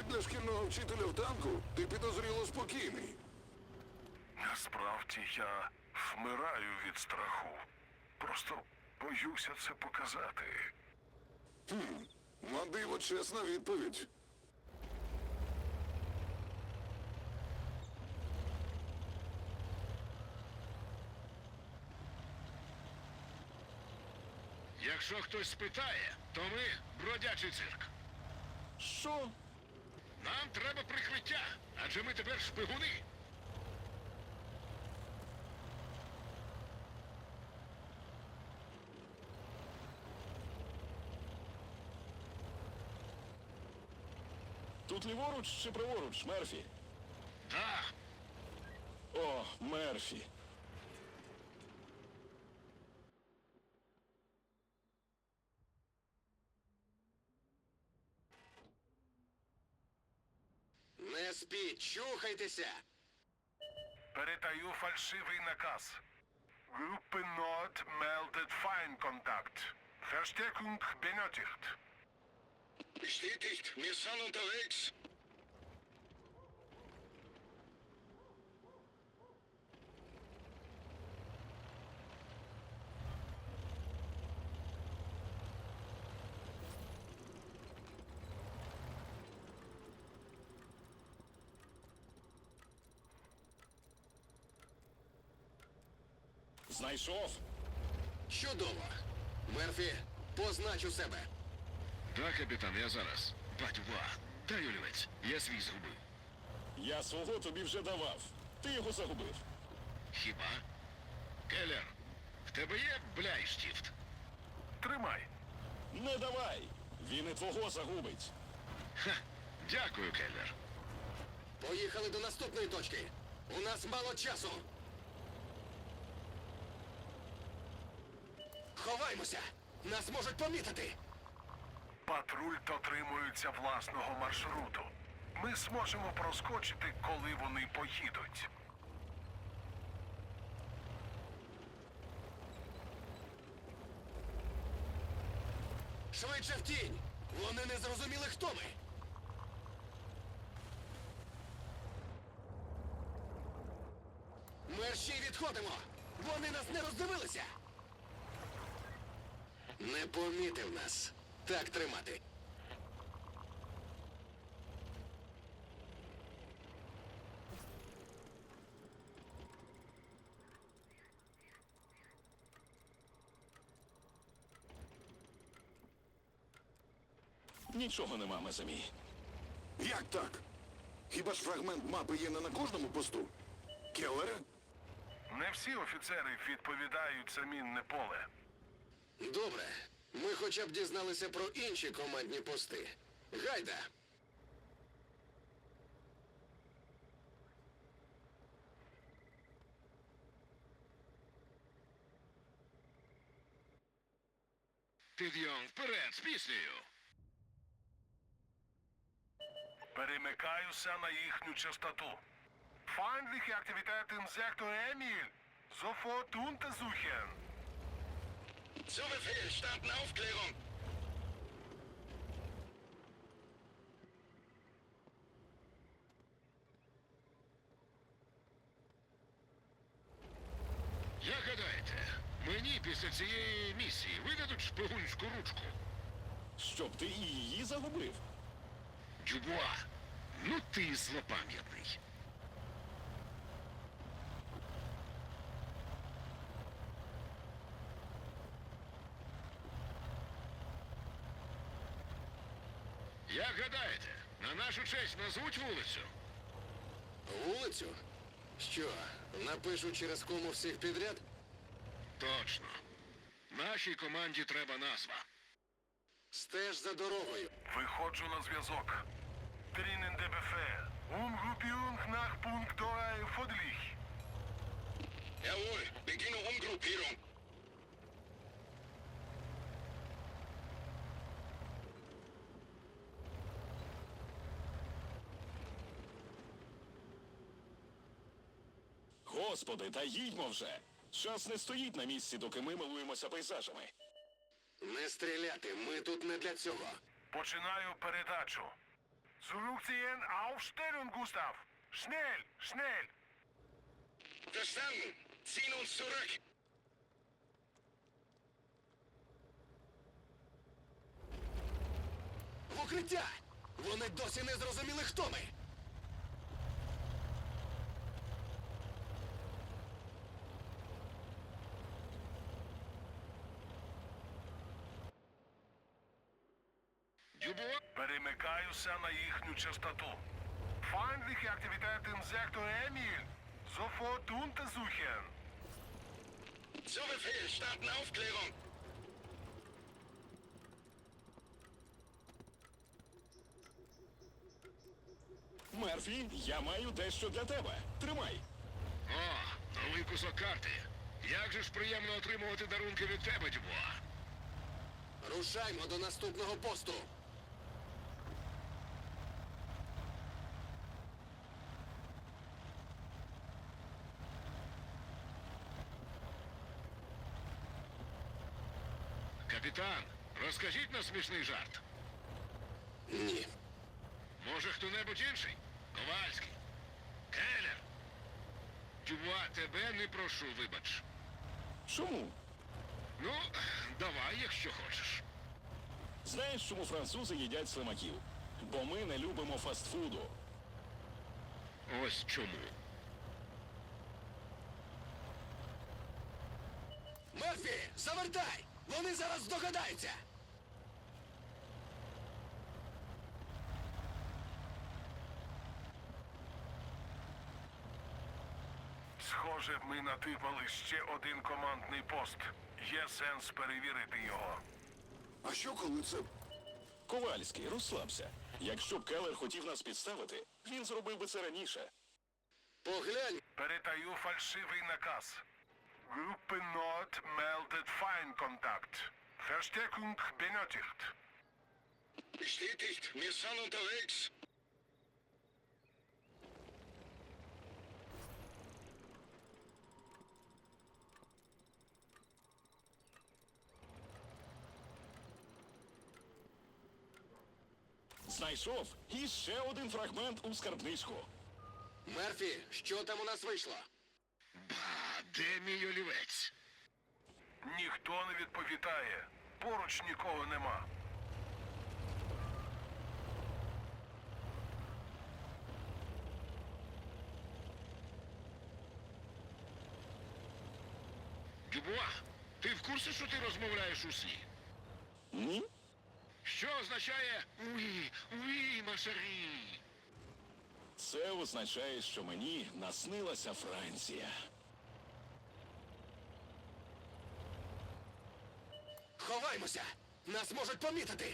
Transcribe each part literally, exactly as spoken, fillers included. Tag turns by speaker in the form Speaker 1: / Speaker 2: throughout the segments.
Speaker 1: Для шкільного вчителя в танку ти підозріло спокійний.
Speaker 2: Насправді я вмираю від страху. Просто боюся це показати.
Speaker 1: Хм, на диво чесна відповідь.
Speaker 3: Якщо хтось спитає, то ми бродячий цирк.
Speaker 1: Що?
Speaker 3: Нам треба прикриття, адже ми тепер шпигуни.
Speaker 4: Тут ліворуч чи праворуч, Мерфі?
Speaker 3: Так,
Speaker 4: О, Мерфі.
Speaker 5: Не спіть, чухайтеся!
Speaker 2: Передаю фальшивий наказ. Группе Nord meldet Feindkontakt. Verstärkung benötigt.
Speaker 5: Bestätigt, wir sind unterwegs.
Speaker 4: Знайшов?
Speaker 5: Чудово! Мерфі, познач у себе.
Speaker 3: так, капітан, я зараз. Батьва, дай олівець, я свій згубив.
Speaker 4: Я свого тобі вже давав. Ти його загубив.
Speaker 3: Хіба? Келлер, в тебе є бляйштіфт?
Speaker 2: Тримай.
Speaker 4: Не давай! Він і твого загубить.
Speaker 3: Ха, дякую, Келлер.
Speaker 5: Поїхали до наступної точки. У нас мало часу. Ховаймося! Нас можуть помітити!
Speaker 2: Патруль дотримується власного маршруту. Ми зможемо проскочити, коли вони поїдуть.
Speaker 5: Швидше в тінь! Вони не зрозуміли, хто ми! Мерщій відходимо! Вони нас не роздивилися! Не помітив нас. Так тримати.
Speaker 4: Нічого нема, Мезамі.
Speaker 1: Як так? Хіба ж фрагмент мапи є не на кожному посту? Келлере?
Speaker 2: Не всі офіцери відповідають за мінне поле.
Speaker 5: Добре. Ми хоча б дізналися про інші командні пости. Гайда!
Speaker 3: Підйом вперед з піснею.
Speaker 2: Перемикаюся на їхню частоту. Feindliche Aktivität im Sektor Emil. Sofort untersuchen.
Speaker 5: Zu Befehl, starten Aufklärung!
Speaker 3: Як гадаєте, мені після цієї місії видадуть шпигунську ручку?
Speaker 4: Щоб ти і її загубив?
Speaker 3: Дюбуа, ну ти злопам'ятний. Як гадаєте, на нашу честь назвуть вулицю?
Speaker 5: Вулицю? Що, напишу через кому всіх підряд?
Speaker 3: Точно. Нашій команді треба назва.
Speaker 5: Стеж за дорогою.
Speaker 2: Виходжу на зв'язок. Drinnen der Befehl. Umgruppierung nach Punkt drei Fodlich.
Speaker 5: Jawohl, beginne Umgruppierung.
Speaker 4: Господи, та їдьмо вже! Час не стоїть на місці, доки ми милуємося пейзажами.
Speaker 5: Не стріляти, ми тут не для цього.
Speaker 2: Починаю передачу. Zurückziehen, Aufstellung, Gustav. Schnell, schnell.
Speaker 3: Verstanden. Ziehen uns zurück.
Speaker 5: В укриття! Вони досі не зрозуміли, хто ми!
Speaker 3: Дюбуа?
Speaker 2: Перемикаюся на їхню частоту. Feindliche Aktivität im Sektor Emil. Sofort untersuchen.
Speaker 3: Zu Befehl, starten Aufklärung.
Speaker 4: Мерфі, я маю дещо для тебе. Тримай.
Speaker 3: О, новий кусок карти. Як же ж приємно отримувати дарунки від тебе, Дюбуа.
Speaker 5: Рушаймо до наступного посту!
Speaker 3: Капітан, розкажіть нам смішний жарт.
Speaker 5: Ні.
Speaker 3: Може, хто-небудь інший? Ковальський. Келлер. Дюбуа, тебе не прошу, вибач.
Speaker 4: Чому?
Speaker 3: Ну, давай, якщо хочеш.
Speaker 4: Знаєш, чому французи їдять слимаків? Бо ми не любимо фастфуду.
Speaker 3: Ось чому.
Speaker 5: Мерфі, завертай! Вони зараз здогадаються!
Speaker 2: Схоже, ми натипали ще один командний пост. Є сенс перевірити його.
Speaker 1: А що коли це?
Speaker 4: Ковальський, розслабся. Якщо б Келлер хотів нас підставити, він зробив би це раніше.
Speaker 5: Поглянь!
Speaker 2: Передаю фальшивий наказ. Группе Nord meldet Feindkontakt. Verstärkung benötigt.
Speaker 3: Bestätigt, wir sind unterwegs.
Speaker 4: Знайшов і ще один фрагмент у скарбничку.
Speaker 5: Мерфі, що там у нас вийшло?
Speaker 3: Ба, де мій олівець?
Speaker 2: Ніхто не відповідає. Поруч нікого нема.
Speaker 3: Дюбуа, ти в курсі, що ти розмовляєш у сні?
Speaker 4: Ні?
Speaker 3: Що означає «Уі, уі, машарі»?
Speaker 4: Це означає, що мені наснилася Франція.
Speaker 5: Ховаймося! Нас можуть помітити!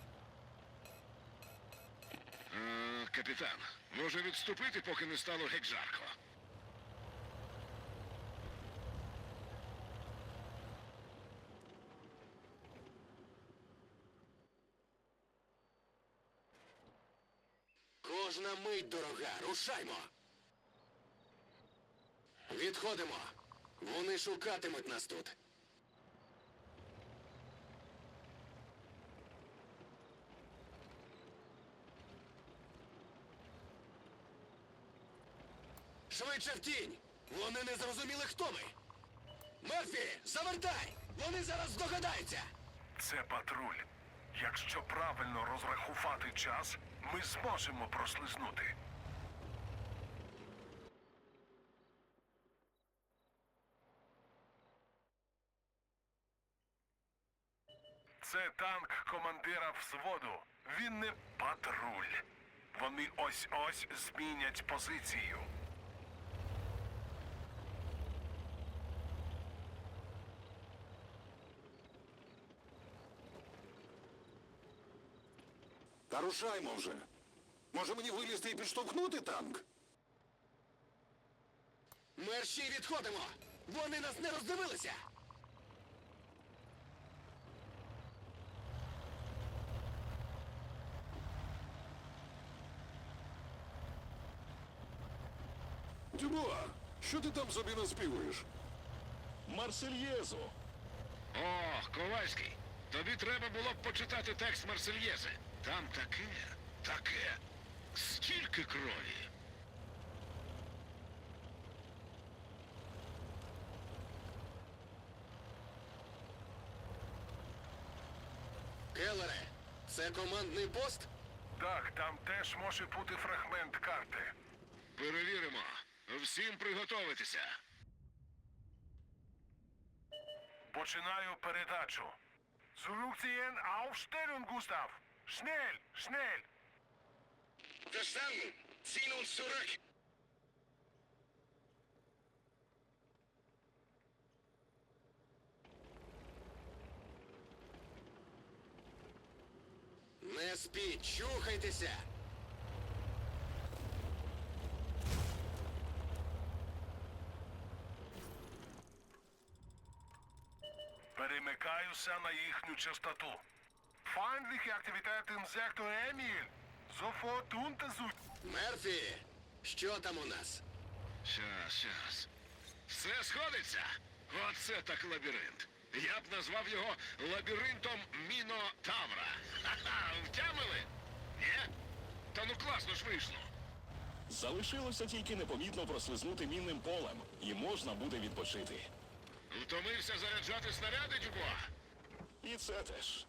Speaker 3: Е, капітан, може відступити, поки не стало геть жарко?
Speaker 5: Кожна мить дорога, рушаймо! Відходимо! Вони шукатимуть нас тут. Швидше в тінь! Вони не зрозуміли, хто ми! Мерфі, завертай! Вони зараз здогадаються!
Speaker 2: Це патруль. Якщо правильно розрахувати час, ми зможемо прослизнути. Це танк командира взводу. Він не патруль. Вони ось-ось змінять позицію.
Speaker 1: Та рушаймо вже. Може мені вилізти і підштовхнути танк?
Speaker 5: Мерші, відходимо! Вони нас не роздивилися!
Speaker 1: Дюбуа, що ти там собі наспівуєш?
Speaker 4: Марсельєзу.
Speaker 3: О, Ковальський, тобі треба було б почитати текст Марсельєзи. Там таке, таке. Стільки крові.
Speaker 5: Келлере, це командний пост?
Speaker 2: Так, там теж може бути фрагмент карти.
Speaker 3: Перевіримо. Всім приготовитися.
Speaker 2: Починаю передачу. Zurückziehen, Aufstellung, Gustav. Schnell, schnell.
Speaker 5: Verstanden. Ziehen uns zurück. Не спіть, чухайтеся.
Speaker 2: Перемикаюся на їхню частоту. Feindliche Aktivität im Sektor Emil. Sofort untersucht.
Speaker 5: Мерфі, що там у нас?
Speaker 3: Щас, щас. Все сходиться. Оце так лабіринт. Я б назвав його лабіринтом Мінотавра. Ха-ха, втямили? Ні? Та ну класно ж вийшло.
Speaker 4: Залишилося тільки непомітно прослизнути мінним полем, і можна буде відпочити.
Speaker 3: Втомився заряджати снаряди, Дюбуа?
Speaker 4: І це теж.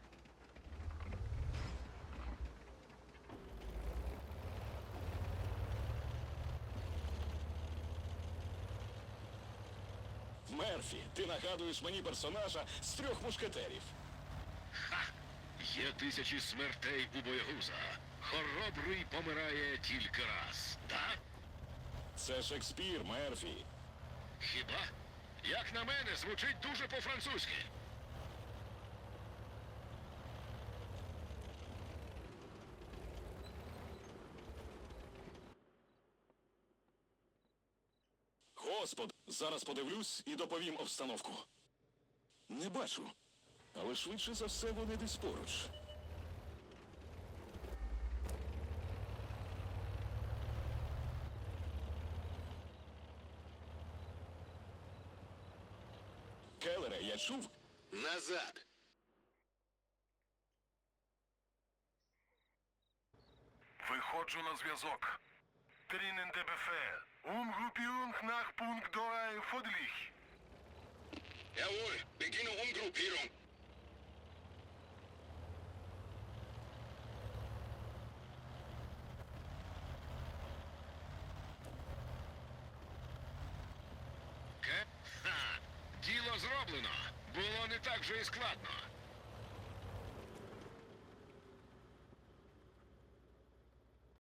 Speaker 4: Мерфі, ти нагадуєш мені персонажа з трьох мушкетерів.
Speaker 3: Ха! Є тисячі смертей у боягуза. Хоробрий помирає тільки раз. Так?
Speaker 4: Це Шекспір, Мерфі.
Speaker 3: Хіба? Як на мене, звучить дуже по-французьки.
Speaker 4: Господи, зараз подивлюсь і доповім обстановку. Не бачу, але швидше за все вони десь поруч. Келлере, я чув?
Speaker 5: Назад.
Speaker 2: Виходжу на зв'язок. Drinnen der Befehl. Umgruppierung nach Punkt drei Fodlich.
Speaker 5: Jawohl, beginne Umgruppierung.
Speaker 3: Ке? Ха! Діло зроблено. Було не так же і складно.